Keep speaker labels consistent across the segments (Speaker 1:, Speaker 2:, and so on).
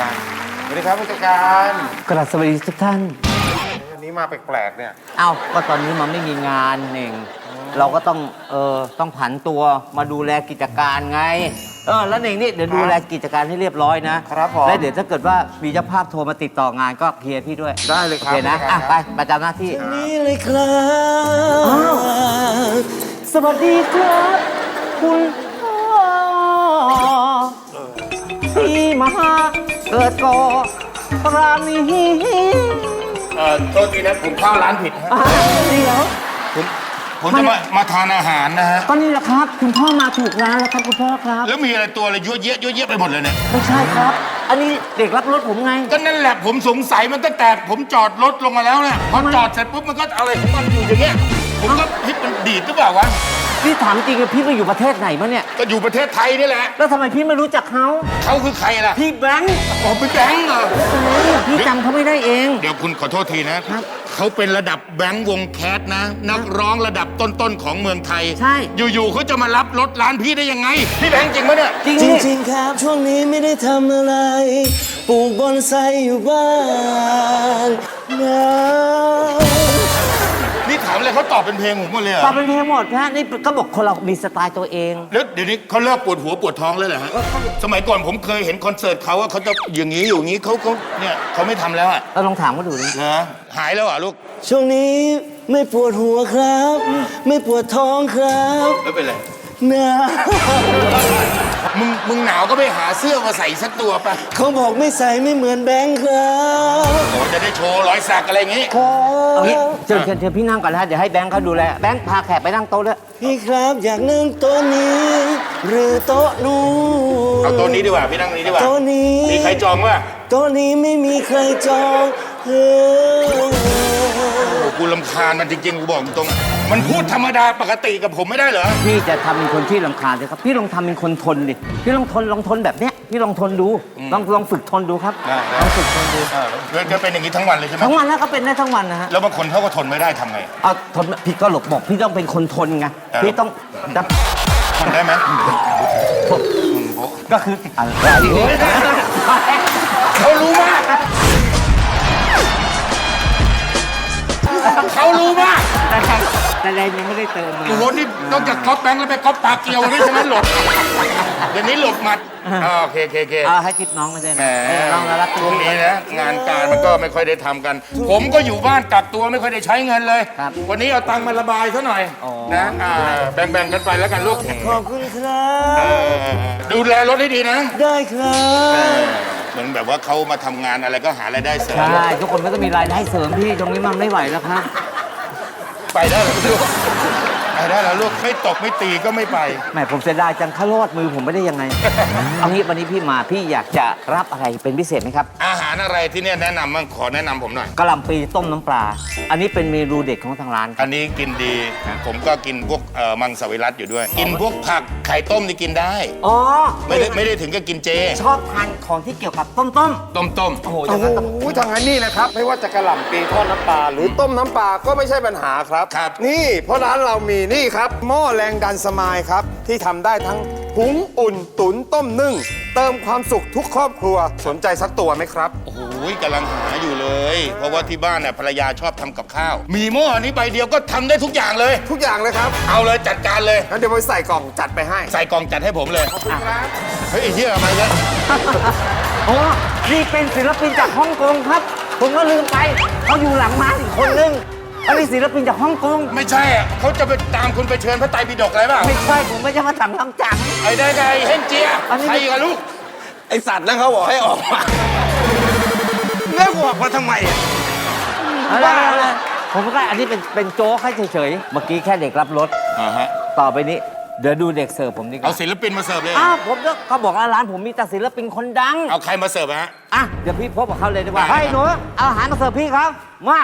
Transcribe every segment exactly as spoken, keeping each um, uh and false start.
Speaker 1: การสวัสดีครับผู้จัดการ
Speaker 2: กราบสวัสดีทุกท่าน
Speaker 1: วันนี้มาแปลกๆเนี่ย
Speaker 2: เอ้าก็ตอนนี้มันไม่มีงานเองเราก็ต้องเออต้องผันตัวมาดูแลกิจการไงเออแล้วเองนี่เดี๋ยวดูแลกิจการให้เรียบร้อยนะครับ
Speaker 1: ผม
Speaker 2: แล้วเดี๋ยวถ้าเกิดว่ามีเจ้าภาพโทรมาติดต่องานก็เคลียร์พี่ด้วย
Speaker 1: ได้เลยครับ
Speaker 2: โอเคนะ
Speaker 1: ผู้จัดการ
Speaker 2: อ่ะ
Speaker 1: ครับ
Speaker 2: ไปประจำหน้าที่
Speaker 3: นี่เลยครับ
Speaker 2: อ้าว สวัสดีครับคุณพ่อที่มาเกิดก่อรานี
Speaker 1: เอ่อโทษทีนะผมเข้าร้านผิดฮะ
Speaker 2: อ่าเดี๋ยว
Speaker 1: ผมผมจะมามาทานอาหารนะฮะ
Speaker 2: ก็นี่แหละครับ คุณพ่อมาถูกร้านแล้วครับคุณพ่อครับ
Speaker 1: แล้วมีอะไรตัวอะไรเยอะแยะเยอะแยะไปหมดเลยเนี่ย
Speaker 2: ไม่ใช่ครับ อันนี้เด็กรับรถผมไง
Speaker 1: ก็นั่นแหละผมสงสัยมันตั้งแต่ผมจอดรถลงมาแล้วเนี่ยพอ
Speaker 2: ทำไม
Speaker 1: จอดเสร็จปุ๊บมันก็อะไรของมันอยู่อย่างเงี้ยผมก็เฮ้ยมันดีดหรือเปล่าวะ
Speaker 2: พี่ถามจริงๆพี่ไปอยู่ประเทศไหนมาเนี่ย
Speaker 1: ก็อยู่ประเทศไทยนี่แหละ
Speaker 2: แล้วทำไมพี่ไม่รู้จักเขา
Speaker 1: เขาคือใครล่ะ
Speaker 2: พี่แบงค์
Speaker 1: อ๋อเป็นแบงค์เหรอ
Speaker 2: พี่จำเขาไม่ได้เอง
Speaker 1: เดี๋ยวคุณขอโทษทีนะครับ เขาเป็นระดับแบงค์วงแคสนะ นักร้องระดับต้นๆของเมืองไทย
Speaker 2: ใช่
Speaker 1: อยู่ๆเขาจะมารับรถร้านพี่ได้ยังไง พี่แบงค์จริงปะเนี่ย
Speaker 2: จริง
Speaker 3: จ
Speaker 2: นี่
Speaker 3: ริงๆครับช่วงนี้ไม่ได้ทำอะไร ปลูกบอนไซอยู่บ้านนะ
Speaker 1: นี่ถามอะไรเขาตอบเป็นเพลงผมหมดเลยเหร
Speaker 2: ตอ
Speaker 1: อบ
Speaker 2: เป็นเพลงหมดนะนี่ก็บอกคนเรามีสไตล์ตัวเอง
Speaker 1: แล้วเดี๋ยวนี้เขาเลิกปวดหัวปวดท้องแล้วเหรอฮะ สมัยก่อนผมเคยเห็นคอนเสิร์ตเขาว่าเขาจะอย่างนี้อยู่อย่างนี้เขาเขาเนี่ยเขาไม่ทำแล้วอ่ะ
Speaker 2: เราลองถามเขาดูดิ
Speaker 1: เหรอหายแล้วเหรอ่ะลูก
Speaker 3: ช่วงนี้ไม่ปวดหัวครับ ไม่ปวดท้องครับ
Speaker 1: ไม่เป็นไร
Speaker 3: นะ
Speaker 1: มึงมึงหนาวก็ไปหาเสื้อมาใส่สักตัวไป
Speaker 3: เขาบอกไม่ใส่ไม่เหมือนแบงค์ครับ
Speaker 1: โอ้จะได้โชว์รอยสักอะไรอย่างงี้
Speaker 3: ครั
Speaker 2: เอางี้
Speaker 3: บ
Speaker 2: เชิญเชิญเชิญพี่นั่งก่อนนะฮะเดี๋ยวให้แบงค์เขาดูแลแบงค์พาแขกไปนั่งโต๊ะด้วย
Speaker 3: พี่ครับอยากนั่งโต๊ะนี้ หรือโต๊ะนู้น
Speaker 1: เอาตัวนี้ดีกว่าพี่นั่งนี้ดีกว่า
Speaker 3: โต๊ะนี้
Speaker 1: มีใครจองวะ
Speaker 3: โต๊ะนี้ไม่มีใครจองเฮ้ย
Speaker 1: โอ้กูรำคาญมันจริงๆกูบอกตรงๆมันพูดธรรมดาปกติกับผมไม่ได้เหรอ
Speaker 2: พี่จะทำเป็นคนที่รำคาญเลยครับพี่ลองทำเป็นคนทนดิพี่ลองทนลองทนแบบเนี้ยพี่ลองทนดูลองลองฝึกทนดูครับ
Speaker 1: ได้ได้
Speaker 2: ลองฝึกทนดู
Speaker 1: เออแล้วจะเป็นอย่างนี้ทั้งวันเลยใช่ไหม
Speaker 2: ทั้งวันแล้วก็เป็นได้ทั้งวันนะฮะ
Speaker 1: แล้วบางคนเขาก็ทนไม่ได้ทำไง
Speaker 2: เอาทนพี่ก็หลบบอกพี่ต้องเป็นคนทนไง
Speaker 1: แต่
Speaker 2: พี่ต้องดับ
Speaker 1: ทนได้ไหมอืมโบ๊ะ
Speaker 2: ก็คืออะไร
Speaker 1: เขารู้มากเขารู้มาก
Speaker 2: แต่แต่แรงยังไม่ได้เติมมา
Speaker 1: โอ้โหนี่นอกจากก๊อปแบงค์แล้วไปก๊อปปากเกียวด้วยใช่ไหมหลบเดี๋ยวนี้หลบหมัดอ่าโอเคโอเคโอเค
Speaker 2: เอาให้ทิปน้องไม่ได้
Speaker 1: แหม
Speaker 2: นะเออน้องน่ารัก
Speaker 1: ช่วงนี้นะงานการมันก็ไม่ค่อยได้ทำกัน ผมก็อยู่บ้านกักตัวไม่ค่อยได้ใช้เงินเลย
Speaker 2: ครับ
Speaker 1: วันนี้เอาตังค์มาระบายซะหน่อย
Speaker 2: อ๋อ
Speaker 1: นะอ่าแบ่งๆกันไปแล้วกันลูก
Speaker 3: ขอบคุณครั
Speaker 1: เอบ อดูแลรถให้ดีนะ
Speaker 3: ได้ครั
Speaker 1: เอบ อเหมือนแบบว่าเขามาทำงานอะไรก็หารายได้เสริม
Speaker 2: ใช่ทุกคนก็ต้องมีรายได้เสริมพี่ตรงนี้มันไม่ไหวแล้วครับ
Speaker 1: ไปได้แล้วลูกไปได้แล้วลูกไม่ตกไม่ตีก็ไม่ไป
Speaker 2: แหมผมเสียดายจังเขารอดมือผมไม่ได้ยังไง เอางี้วันนี้พี่มาพี่อยากจะรับอะไรเป็นพิเศษไหมครับ
Speaker 1: อาหารอะไรที่เนี่ยแนะนำบ้างขอแนะนำผมหน่อย
Speaker 2: กะหล่ำปีต้มน้ำปลา อันนี้เป็นเมนูเด็ดของทางร้านค
Speaker 1: อั
Speaker 2: รับ
Speaker 1: นนี้กินดี ผมก็กินพวกเอ่อมังสวิรัตอยู่ด้วย กินพวกผักไข่ต้มนี่กินได้
Speaker 2: อ๋อ
Speaker 1: ไม่ได้ไม่ได้ถึงกับกินเจ
Speaker 2: ชอบทานของที่เกี่ยวกับต้มต้ม
Speaker 1: ต้มต้ม
Speaker 2: ๆโอ้โหอ
Speaker 4: โอ้
Speaker 2: ย่าง
Speaker 4: โห
Speaker 2: นั้นต้อง
Speaker 4: ทางนั้นนี่นะครับ ไม่ว่าจะกระหล่ำปีทอดน้ำปลาหรือต้มน้ำปลาก็ไม่ใช่ปัญหาครับ
Speaker 1: ครับ
Speaker 4: นี่เพราะร้านเรามีนี่ครับหม้อแรงดันสมายครับ ที่ทำได้ทั้งหุงอุ่นตุ๋นต้มนึ่ง เติมความสุขทุกครอบครัวสนใจสักตัวไหมครับ
Speaker 1: โอ้โหกำลังหาอยู่เลย เพราะว่าที่บ้านเนี่ยภรรยาชอบทำกับข้าว มีหม้อนี้ใบเดียวก็ทำได้ทุกอย่างเลย
Speaker 4: ทุกอย่างเลยครับ
Speaker 1: เอาเลยจัดการเลย
Speaker 4: งั้นเดี๋ยวไปใส่กล่องจัดไปให้
Speaker 1: ใส่กล่องจัดให้ผมเลย
Speaker 4: ครับ
Speaker 1: เฮ้ยไอ้เหี้ยมาแล้ว
Speaker 2: โอ้นี่เป็นศิลปินจากฮ่องกงครับ ผมก็ลืมไปเขาอยู่หลังม้าอีกคนนึงอันนี้ศิลปินจากฮ่องกง
Speaker 1: ไม่ใช่อะเขาจะไปตามคุณไปเชิญพระไตรปิฎกอะไรเปล่า
Speaker 2: ไม่ใช่ผมไม่ใช่มาสั่งทำจัง
Speaker 1: ไอ้ได้ไงเฮงเจีย
Speaker 2: อันนี้
Speaker 1: ใครกับลูก
Speaker 4: ไอสัตว์นั่นเขาบอกให้ออกมาแล้วออกมาทำไมอ่ะ
Speaker 2: อะไรอะไรผมก็อันนี้เป็นเป็นโจ๊กให้เฉยๆ เมื่อกี้แค่เด็กรับรถ
Speaker 1: อ่าฮะ
Speaker 2: ต่อไปนี้ เดี๋ยวดูเด็กเสิร์ฟผมดีก
Speaker 1: เอา
Speaker 2: ว่า
Speaker 1: ศิลปินมาเสิร์ฟเลย
Speaker 2: อ้าวผมก็เขาบอกว่าร้านผมมีแต่ศิลปินคนดัง
Speaker 1: เอาใครมาเสิร์ฟฮะ
Speaker 2: อ่ะ เดี๋ยวพี่พบกับเขาเลยดีกว่า
Speaker 1: ได้
Speaker 2: เฮ้ยหนูเอาอาหารมาเสิร์ฟพี่เขามา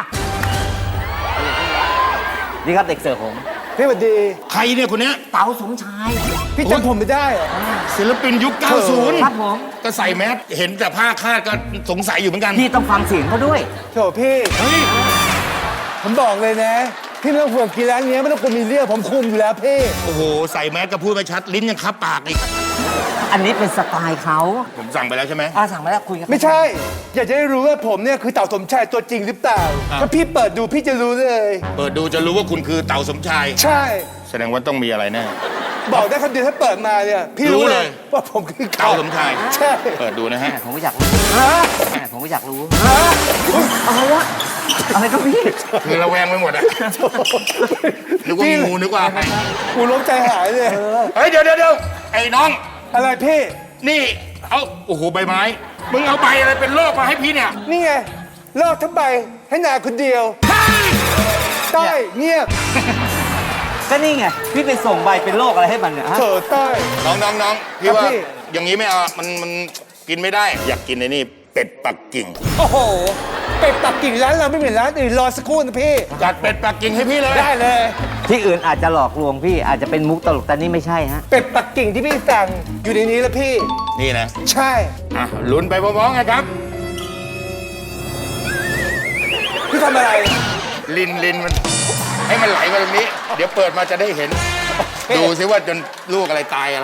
Speaker 2: นี่ครับเด็กเสิร์ฟผม
Speaker 4: พี่สวัสดี
Speaker 1: ใครเนี่ยคนเนี้ย
Speaker 2: เต๋าสมชาย
Speaker 4: พี่จำผมไม่ได้เหรอ
Speaker 1: ศิลปินยุค เก้าสิบ
Speaker 2: ครับผม
Speaker 1: ก็ใส่แมสเห็นแต่ผ้าคาดก็สงสัยอยู่เหมือนกัน
Speaker 2: พี่ต้องฟังเสียงเขาด้วย
Speaker 4: โถพี่
Speaker 1: เฮ้ย
Speaker 4: ผมบอกเลยนะ
Speaker 3: พี่ไม่ต้องห่วงกินร้านนี้ไม่ต้องกลัวมีเรื่องผมคุมอยู่แล้วพี่
Speaker 1: โอ้โห ใส่แมสก็พูดไม่ชัด ลิ้นยังคับปากอีก
Speaker 2: อันนี้เป็นสไตล์เขา
Speaker 1: ผมสั่งไปแล้วใช่ไหม
Speaker 2: อาสั่งมาแล้วคุยกัน
Speaker 3: ไม่ใช่ อยากจะได้รู้ว่าผมเนี่ยคือเต่าสมชายตัวจริงหรือเปล่า
Speaker 1: อ่ะ
Speaker 3: ถ้าพี่เปิดดูพี่จะรู้เลย
Speaker 1: เปิดดูจะรู้ว่าคุณคือเต่าสมชาย
Speaker 3: ใช่
Speaker 1: แสดงว่าต้องมีอะไรแน่
Speaker 3: บอกได้คำเดียวถ้าเปิดมาเนี่ยพี่รู้
Speaker 1: รู้
Speaker 3: เล
Speaker 1: เลย ย
Speaker 3: ว่าผมคือ
Speaker 1: เต่าสมชาย
Speaker 3: ใช่
Speaker 1: เปิดดูนะฮะ
Speaker 2: แม่ผมก็อยากรู้
Speaker 3: ฮะ
Speaker 2: แม่ผมก็อยากรู้
Speaker 3: ฮะ
Speaker 2: อะไรวะอะไรก็พี่
Speaker 1: คือระแวงไปหมดอะนึกว่างูนึกว่าอะไร
Speaker 3: กูล้มใจหายเลย
Speaker 1: เฮ้ย เดี๋ยวเดี๋ยวเดี๋ยวไอ้น้อง
Speaker 3: อะไรพี่
Speaker 1: นี่ เอาโอ้โห ใบไม้ มึงเอาใบอะไรเป็นโรคมาให้พี่เนี่ย
Speaker 3: นี่ไงลอกทั้งใบให้นาคนเดียวใต้เงียบ
Speaker 2: ก็นี่ไงพี่ไปส่งใบเป็นโรคอะไรให้มันเนี่ยฮะ
Speaker 3: เถอใต้
Speaker 1: น้องน้องน้องพี่ว่า
Speaker 3: ครับพี่
Speaker 1: อย่างนี้ไม่เอา มันมันกินไม่ได้ อยากกินไอ้นี่เป็ดปักกิ่ง
Speaker 3: โอ้โหเป็ดปักกิ่งร้านเราไม่เหมือนร้านอื่นรอสักครู่นะพี่
Speaker 1: จัดเป็ดปักกิ่งให้พี่เลย
Speaker 3: ได้เลย
Speaker 2: ที่อื่นอาจจะหลอกลวงพี่อาจจะเป็นมุกตลกแต่นี่ไม่ใช่ฮะ
Speaker 3: เป็ดปักกิ่งที่พี่สั่งอยู่ในนี้แล้วพี่
Speaker 1: นี่นะ
Speaker 3: ใช่
Speaker 1: อ่ะลุ้นไปพร้อมๆกันครับ
Speaker 3: พี่ทำอะไร
Speaker 1: ลินลินมัน ให้มันไหลมาตรงนี้ เดี๋ยวเปิดมาจะได้เห็น ดูซิว่าจนลูกอะไรตายอะไร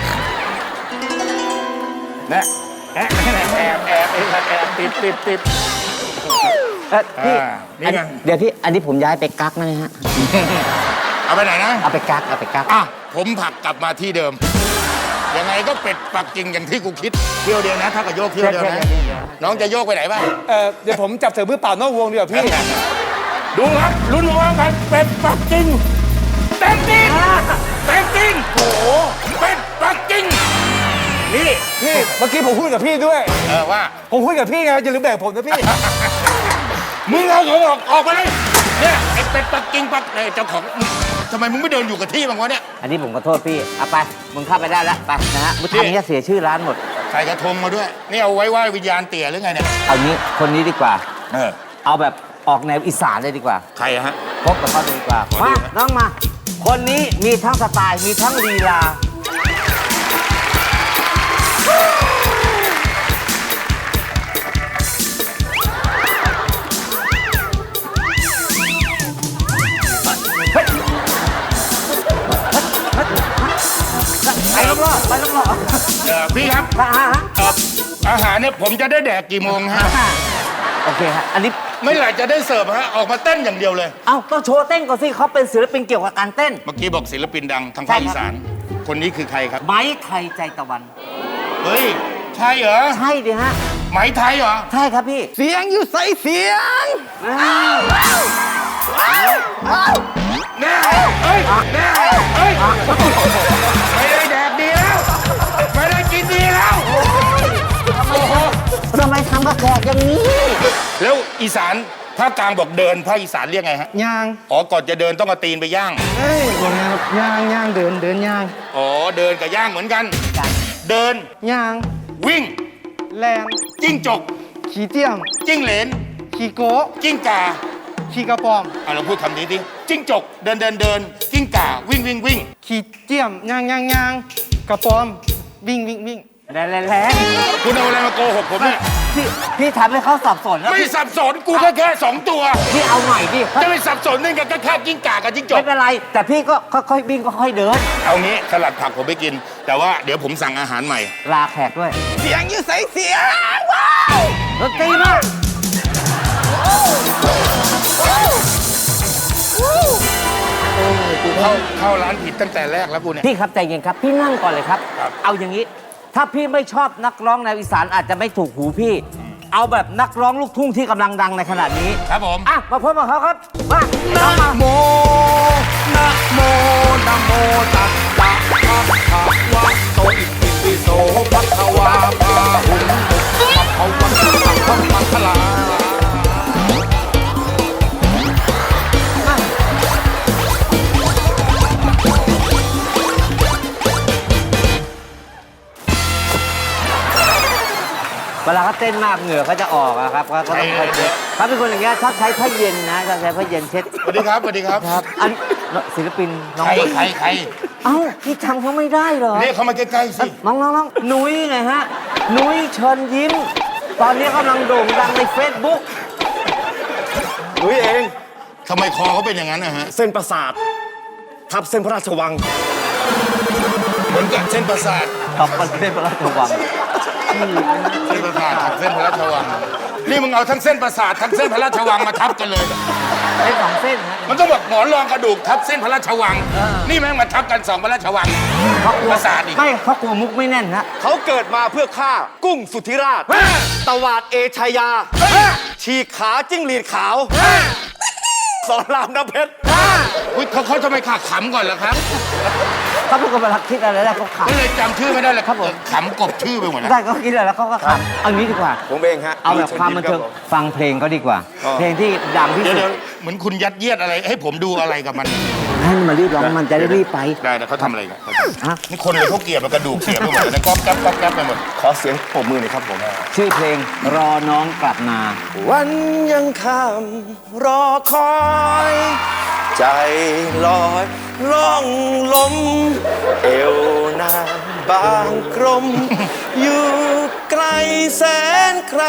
Speaker 1: นะแอบแอบแอบแอบแอบติดติดติด
Speaker 2: เอ้ยพี่
Speaker 1: อ่านี่ไง
Speaker 2: อันเดี๋ยวพี่อันนี้ผมย้ายไปกักนะฮะ
Speaker 1: เอาไปไหนนะ
Speaker 2: เอาไปกักเอาไปกัก
Speaker 1: อ่ะผมผลักกลับมาที่เดิม ยังไงก็เป็ดปักกิ่งอย่างที่กูคิด เที่ยวเดียวนะ ถ้ากับโยกเที่ยวเดียวนะ น้องจะโยกไปไหนบ้าง
Speaker 3: เออเดี๋ยวผมจับเสือมือเปล่านอกวงดีกว่าพี่
Speaker 1: ดูครับลุ้นพร้อมกันเป็ดปักกิ่งเต็มจริงเต็มจริงโอ้โหเป็ดปักกิ่งนี่
Speaker 3: พี่เมื่อกี้ผมพูดกับพี่ด้วย
Speaker 1: เออว่า
Speaker 3: ผมพูดกับพี่ไงอย่าลืมแบ่งผมนะพี่
Speaker 1: มึงเอาของออกออกไปเลยเนี่ยไอ้เป็ดปักกิ่งปักเอ้ยเจ้าของมึงทำไมมึงไม่เดินอยู่กับที่บ้างวะเนี่ย
Speaker 2: อันนี้ผมขอโทษพี่เอาไปมึงเข้าไปได้แล้วไปนะฮะมึง
Speaker 1: พี่
Speaker 2: ทำอย่างเงี้ยเสียชื่อร้านหมด
Speaker 1: ใส่กระทงมาด้วย นี่เอาไว้ไหว้วิญญาณเตี่ยหรือไงเนี่ย
Speaker 2: เอางี้คนนี้ดีกว่า
Speaker 1: เออ
Speaker 2: เอาแบบออกแนวอีสานเลยดีกว่า
Speaker 1: ใครอะฮะ
Speaker 2: พบกับเขาเลยดีกว่า
Speaker 1: ขอดู
Speaker 2: มา
Speaker 1: นะ
Speaker 2: น้องมา คนนี้มีทั้งสไตล์มีทั้งลีลา ไปรอบๆไปรอบ
Speaker 1: เออพี่ครับ
Speaker 2: ๆฮะฮะ
Speaker 1: เอ่ออาหารเนี่ยผมจะได้แดกกี่โมงฮะ
Speaker 2: ฮะโอเคฮะ อันนี้
Speaker 1: ไม่ไหร่จะได้เสิร์ฟฮะ ออกมาเต้นอย่างเดียวเลย
Speaker 2: เอ้าต้องโชว์เต้นก่อนสิเขาเป็นศิลปินเกี่ยวกับการเต้น
Speaker 1: เมื่อกี้บอกศิลปินดังทางภาคอีสาน คนนี้คือใครครับ
Speaker 2: ไม้ไทยใจตะวัน
Speaker 1: เฮ้ย ใช่เหรอ
Speaker 2: ใช่ดิฮะ
Speaker 1: ไหมไทยเหรอ
Speaker 2: ใช่ครับพี่
Speaker 3: เสียงอยู่ใส่เสียง
Speaker 1: แน่เฮ้ยแน่เฮ้ย ไม่ได้แดกดีแล้ว ไม่ได้กินดีแล้ว โอ้โห
Speaker 2: ทำไมทำกับแขกอย่างนี้
Speaker 1: แล้วอีสานภาคกลางบอกเดินภาคอีสานเรียกไงฮะ
Speaker 3: ย่าง
Speaker 1: อ๋อ ก่อนจะเดินต้องเอาตีนไปย่าง
Speaker 3: เอ้ยยังไงครับย่างย่างเดินเดินย่าง
Speaker 1: อ๋อ เดินกับย่างเหมือนกัน เดิน
Speaker 3: ย่าง
Speaker 1: วิ่ง
Speaker 3: แลน
Speaker 1: จิ้งจก
Speaker 3: ขี่เตี้ยม
Speaker 1: จิ้งเหลน
Speaker 3: ขี่โกะ
Speaker 1: จิ้งก่า
Speaker 3: ขี่กระปอม
Speaker 1: อ่ะเราพูดคำนี้ดิจิ้งจก เดินเดินเดินจิ้งก่า วิ่งวิ่งวิ่ง
Speaker 3: ขี่เตี้ยมย่างย่างย่างกระปอมวิ่งวิ่งวิ่ง
Speaker 2: แรงแรงแรง
Speaker 1: คุณเอาอะไรมาโกหกผมเนี่ย
Speaker 2: พี่พี่ทำให้เขาสับสนแล้ว
Speaker 1: ไม่
Speaker 2: พี่
Speaker 1: สับสนกูแค่แค่สองตัว
Speaker 2: พี่เอาใหม่พี่
Speaker 1: จะไปสับสนนั่นก็แค่จิ้งก่ากับจิ้งจ
Speaker 2: ไม่
Speaker 1: ก
Speaker 2: เป็นไร แต่พี่ก็ค่อยๆวิ่งก็ค่อยๆเดิน
Speaker 1: เอางี้สลัดผักผมไปกิน แต่ว่าเดี๋ยวผมสั่งอาหารใหม่
Speaker 2: ลาแขกด้วย
Speaker 3: เสียงอยู่ใส่เสียง
Speaker 2: ดนตรีมาก
Speaker 1: กูเข้าเข้าร้านผิดตั้งแต่แรกแล้วกูเนี่ย
Speaker 2: พี่ครับใจเย็นครับ พี่นั่งก่อนเลยครับ
Speaker 1: ครับ
Speaker 2: เอาอย่างนี้ ถ้าพี่ไม่ชอบนักร้องแนวอีสานอาจจะไม่ถูกหูพี่ เอาแบบนักร้องลูกทุ่งที่กำลังดังในขณะนี้
Speaker 1: ครับผม
Speaker 2: อ่ะมาพบกับเขาครับมาน้องมา
Speaker 3: โมนะโมนะโมตัสสะภะคะวะโตอิติปิโสภะคะวาพาหุนตุสัพพะวันตังพะมังคลา
Speaker 2: เวลาเขาเต้นมากเหงื่อเขาจะออกอะครับเขาก็ต้องคอยเช็ดเขาเป็นคนอย่างเงี้ยชอบใช้ผ้าเย็นนะชอบใช้ผ้าเย็นเช็ด
Speaker 1: สวัสดีครับสวัสดีครับ
Speaker 2: ครับ อันศิลปินน้อง
Speaker 1: ใครใครใคร
Speaker 2: เอ้าพี่จำเขาไม่ได้เหรอ
Speaker 1: เรียกเขามาใกล้ๆสิ
Speaker 2: น้องน้องน้องนุ้ยไงฮะ นุ้ยเชิญยิ้ม ตอนนี้กำลังโด่งดังในเฟซบุ๊ก
Speaker 3: หนุ่ยเองทำไมคอเขาเป็นอย่างนั้นนะฮะ
Speaker 4: เส้นประสาททับเส้นพระราชวัง
Speaker 3: เหมือนกับเส้นประสาท
Speaker 2: ขอบประเทศพระราชวัง
Speaker 3: เส้นประสาททับเส้นพระราชวัง นี่มึงเอาทั้งเส้นประสาททั้งเส้นพระราชวังมาทับกันเลย
Speaker 2: เส้นสองเส้นฮะ
Speaker 3: มันต้องแบบหมอนรองกระดูกทับเส้นพระราชวัง นี่แม่งมาทับกันสองพระราชวังประสาทอีก
Speaker 2: ไม่เขากลัวมุกไม่แน่นฮะ
Speaker 4: เขาเกิดมาเพื่อฆ่ากุ้งสุธิราช ตวาดเอชายา ฉีกขาจิ้งหรีดขาว สอนรามน้ำเพชร
Speaker 3: อุ๊ยเขาเขาทำไมขาขำก่อนล่ะครับ
Speaker 2: เขาพูดกันมาลักคิดอะไรแล้วเขาข
Speaker 3: ก็เลยจำชื่อไม่ได้เลย
Speaker 2: ครับผม
Speaker 3: ขำกบชื่อไปหมด
Speaker 2: ำ
Speaker 3: แล้ว
Speaker 2: ได้เขาคิดอะไรแล้วเขาก็ขำเอางี้ดีกว่า
Speaker 4: ผมเองฮะ
Speaker 2: เอาแบบความบันเทิงฟังเพลงก็ดีกว่า เพลงที่ดังที่
Speaker 3: เดี๋ยว
Speaker 2: สุด
Speaker 3: เดี๋ยวเหมือนคุณยัดเยียดอะไรให้ผมดูอะไรกับมัน
Speaker 2: ให้มันมารีบร้องมันจะได้รีบไป
Speaker 3: ได้นะเขาทำอะไรกัน
Speaker 2: ฮะ
Speaker 3: นี่คนเลยเขาเกลียดมันกระดูกเสียไปหมดเลยนะก๊อบแก๊บก๊อบแก๊บไปหมด
Speaker 4: ขอเสียงปรบมือหน่อยครับผม
Speaker 2: ชื่อเพลงรอน้องกลับมา
Speaker 4: วันยังค่ำรอคอย ใจลอยล่องลม เอวนางบางกรม อยู่ไกลแสนไกล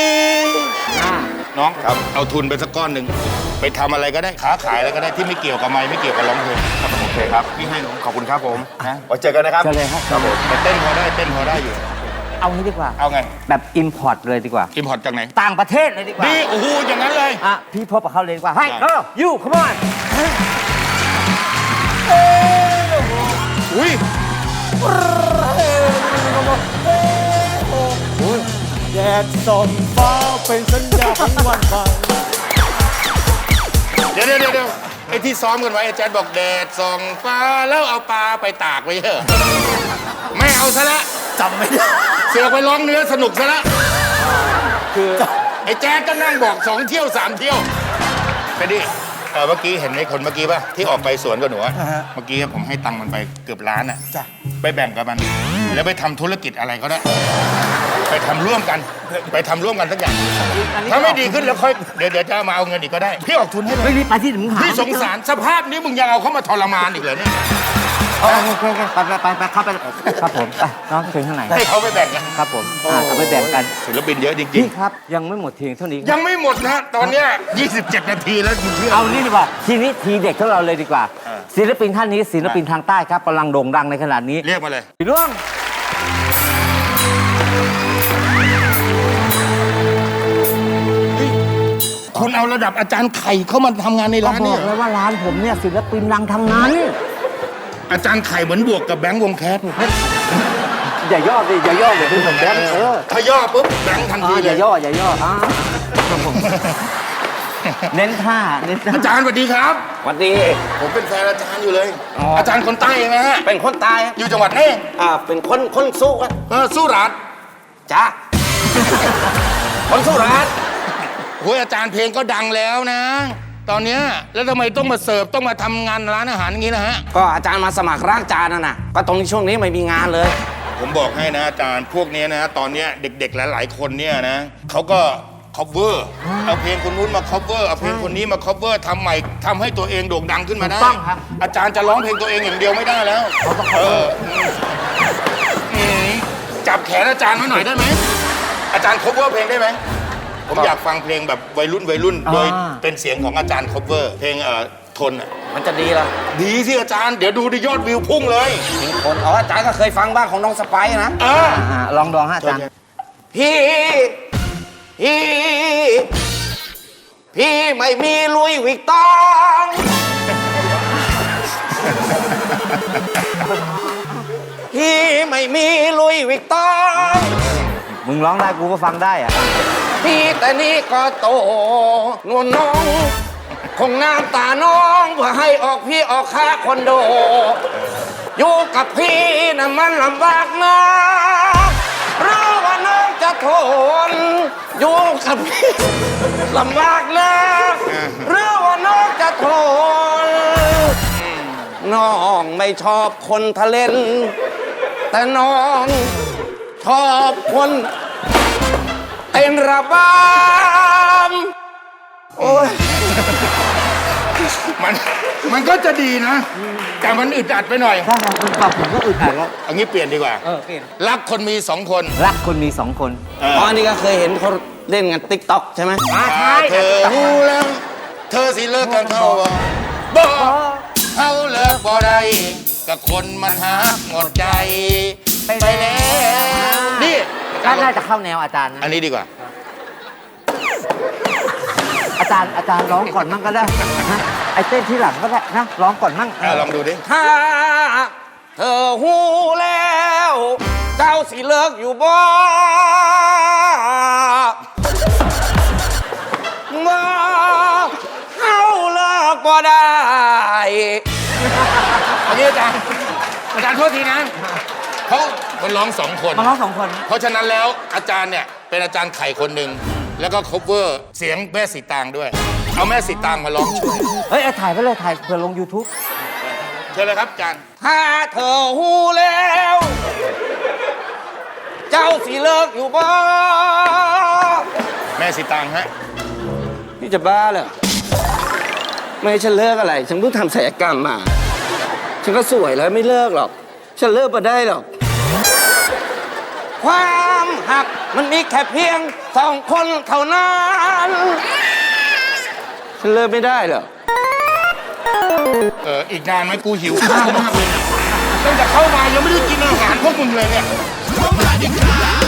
Speaker 3: น้องครับเอาทุนไปสักก้อนหนึ่งไปทำอะไรก็ได้ค้าขายอะไรก็ได้ที่ไม่เกี่ยวกับไม้ไม่เกี่ยวกับร้องเพลงครับโอเคครับพี่ให้น้องขอบคุณครับผมนะไว้เจอกันนะครับ
Speaker 2: เจอเลยครับ
Speaker 3: ครับผมแต่เต้นพอได้เต้นพอได้อยู่
Speaker 2: เอางี้ดีกว่า
Speaker 3: เอาไง
Speaker 2: แบบอิมพอร์ตเลยดีกว่า
Speaker 3: อิมพอร์ตจากไหน
Speaker 2: ต่างประเทศเลยดีกว่า
Speaker 3: ดีโอ้โหอย่างนั้นเลย
Speaker 2: อ่ะพี่พบกับเขาเลยดีกว่าให้
Speaker 3: ได้
Speaker 2: เออยูคัมอน
Speaker 3: อุ้ย
Speaker 4: แดดส่องฟ้าเป็นสัญญาของวันใหม่
Speaker 3: เดี๋ยวเดี๋ยวเดี๋ยวไอ้ที่ซ้อมกันไว้อาจารย์บอกแดดส่องฟ้าแล้วเอาปลาไปตากไว้เถอะไม่เอาซะละ
Speaker 4: จำไม่ได้
Speaker 3: เสือกไปร้องเนื้อสนุกซะละคือไอ้แจ๊ดก็นั่งบอกสองเที่ยวสามเที่ยวไปดิเออเมื่อกี้เห็นไอ้คนเมื่อกี้ป่ะที่ออกไปสวนกับหนูอะเมื่อกี้ผมให้ตังค์มันไปเกือบล้านอ่ะไปแบ่งกับมัน แล้วไปทำธุรกิจอะไรก็ได้ ไปทำร่วมกัน ไปทำร่วมกันสักอย่างถ้าไม่ดีขึ้นแล้วค่อยเดี๋ยวเดี๋ยวจะเอามาเอาเงินอีกก็ได้พี่ออกทุนให้เลย
Speaker 2: ไม่รีบไปที่ถึงหา
Speaker 3: พี่สงสารสภาพนี้มึงยังเอาเขามาทรมานอีกเหรอเนี่ย
Speaker 2: โอเคโอเคโอเคไปไปไปไปเข้าไปครับผมไปน้องถึงข้างใน
Speaker 3: ให้เขาไปแบ่งกัน
Speaker 2: ครับผมอ่าเอาไปแบ่งกัน
Speaker 3: ศิลปินเยอะจริง
Speaker 2: พี่ครับยังไม่หมดเพียงเท่านี้
Speaker 3: ๆยังไม่หมดนะตอนเนี้ยยี่สิบเจ็ดนาทีแล้วมึงเชื่อ
Speaker 2: เอานี่ดีกว่าทีนี้ทีเด็กของเราเลยดีกว่า
Speaker 3: เออ
Speaker 2: ศิลปินท่านนี้ศิลปินทางใต้ครับกำลังโด่งดังในขณะนี้
Speaker 3: เรียกมาเลย
Speaker 2: พี่ร่วง
Speaker 3: คุณเอาระดับอาจารย์ไข่เข้ามาทำงานใน
Speaker 2: ก็
Speaker 3: ร้าน
Speaker 2: บ
Speaker 3: เนี่
Speaker 2: อย กเลยว่าร้านผมเนี่ยศิลปินดังทั้งนั้น
Speaker 3: อาจารย์ไข่เหมือนบวกกับแบงค์วงแคส
Speaker 2: อย่าย่อดิอย่าย่ออย่าดูผมแบงค์เออ
Speaker 3: ถ้าย่อปุ๊บแบงค์ทัน
Speaker 2: อ่า
Speaker 3: ที
Speaker 2: อ
Speaker 3: เล
Speaker 2: ย่าย ย่ออย่าย่ออ่าครับผมเน้นท่าเน้นท่า
Speaker 3: อาจารย์สวัสดีครับ
Speaker 4: สวัสดี
Speaker 3: ผมเป็นแฟนอาจารย์อยู่เลย
Speaker 4: อ๋อ
Speaker 3: อาจารย์คนใต้ไหมฮะ
Speaker 4: เป็นคนตาย
Speaker 3: อยู่จังหวัดไหน
Speaker 4: อ่า เป็นคนคนสู้กัน
Speaker 3: เออสุราษฎร์
Speaker 4: จ้า คนสู้รัฐ
Speaker 3: โอ้ยอาจารย์เพลงก็ดังแล้วนะ ตอนเนี้ยแล้วทำไมต้องมาเสิร์ฟต้องมาทำงานร้านอาหารอย่างนี้นะฮะ
Speaker 5: ก็อาจารย์มาสมัครร่างจานน่ะนะก็ตรงนี้ช่วงนี้ไม่มีงานเลย
Speaker 3: ผมบอกให้นะอาจารย์พวกเนี้ยนะตอนเนี้ยเด็กๆหลายๆคนเนี่ยนะเขาก็ cover เอาเพลงคนนู้นมา cover เอาเพลงคนนี้มา cover ทำใหม่ทำให้ตัวเองโด่งดังขึ้นมาได้
Speaker 2: ถูกต้องครับ
Speaker 3: อาจารย์จะร้องเพลงตัวเองอย่างเดียวไม่ได้แล้วเอออืมจับแขนอาจารย์ไว้หน่อยได้ไหมอาจารย์ cover เพลงได้ไหมผมอยากฟังเพลงแบบวัยรุ่นวัยรุ่นโดยเป็นเสียงของอาจารย์ cover เพลงเอ่อทนอะ
Speaker 5: มันจะดีละ
Speaker 3: ดีสิอาจารย์เดี๋ยวดูดิยอดวิวพุ่งเลย
Speaker 5: มีคนอ๋ออาจารย์ก็เคยฟังบ้างของน้องสไปซ์นะ
Speaker 3: เออ
Speaker 2: อ่าลองดองฮะอาจารย์
Speaker 5: พี่ พี่ พี่ไม่มีลุยวิกตอง พี่ไม่มีลุยวิกตอง
Speaker 2: มึงร้องได้กูก็ฟังได้อะ
Speaker 5: พี่แต่นี่ก็โตนวลน้อง คงน้ำตาน้องเพื่อให้ออกพี่ออกค่าคอนโด อยู่กับพี่น่ะมันลำบากนะรู้ว่าน้องจะทน อยู่กับพี่ลำบากนะรู้ว่าน้องจะทน น้องไม่ชอบคนทะเลน แต่น้องชอบคนเต้นระบำโอ้ย
Speaker 3: มันมันก็จะดีนะ แต่มันอึดอัดไปหน่อย
Speaker 2: ใช่ครับคุณปรับผมก็อึดอัดแล้ว
Speaker 3: เอางี้เปลี่ยนดีกว่า
Speaker 2: เออเปลี่ยน
Speaker 3: รักคนมีสองคน
Speaker 2: รักคนมีสองคน
Speaker 3: เออ
Speaker 5: อ๋ออันนี้ก็เคยเห็นเขาเล่นกันติ๊กต็อกใช่ไหม
Speaker 2: อ่าใช่
Speaker 3: เธอรู้แล้วเธอสิเลิกกันเขาบ่บ่เขาเลิกบ่ได้กับคนมันหักหมดใจไปแล้วนี่
Speaker 2: ก็น่าจะเข้าแนวอาจารย์นะ
Speaker 3: อันนี้ดีกว่า
Speaker 2: อาจารย์อาจารย์ร้องก่อนมั่งก็ได้นะไอ้เต้นที่หลังก็ได้นะร้องก่อนมั่ง
Speaker 3: อ่ะลองดูดิ
Speaker 5: ถ้าเธอหูแล้ว เจ้าสิเลิกอยู่บ่บ่เขาเลิกบ่ได้
Speaker 3: อันนี้อาจารย์อาจารย์โทษทีนะเขาคนร้องสองคน
Speaker 2: มาร้องสองคน
Speaker 3: เพราะฉะนั้นแล้วอาจารย์เนี่ยเป็นอาจารย์ไข่คนหนึ่งแล้วก็ cover เสียงแม่สีตางด้วย เอาแม่สีตางมาร้องช่วย
Speaker 2: เฮ้ยเอาถ่ายไปเลยถ่ายเพื่อลง YouTube
Speaker 3: เชิญเลยครับอาจารย์
Speaker 5: ถ้าเธอหูแล้ว เจ้าสิเลิกอยู่บ่
Speaker 3: แม่สีตางฮะ
Speaker 5: พี่จะบ้าเหรอไม่ให้ฉันเลิกอะไร ฉันเพิ่งทำศัลยกรรมมา ฉันก็สวยแล้วไม่เลิกหรอก ฉันเลิกมาได้หรอก ความหักมันมีแค่เพียงสองคนเท่านั้น ฉันเลิกไม่ได้หรอก
Speaker 3: เอออีกนานไหมกูหิวข้าวมากเลยเนี่ยตั้งแต่เข้ามายังไม่ได้กินอาหารพวกมึงเลยเนี่ย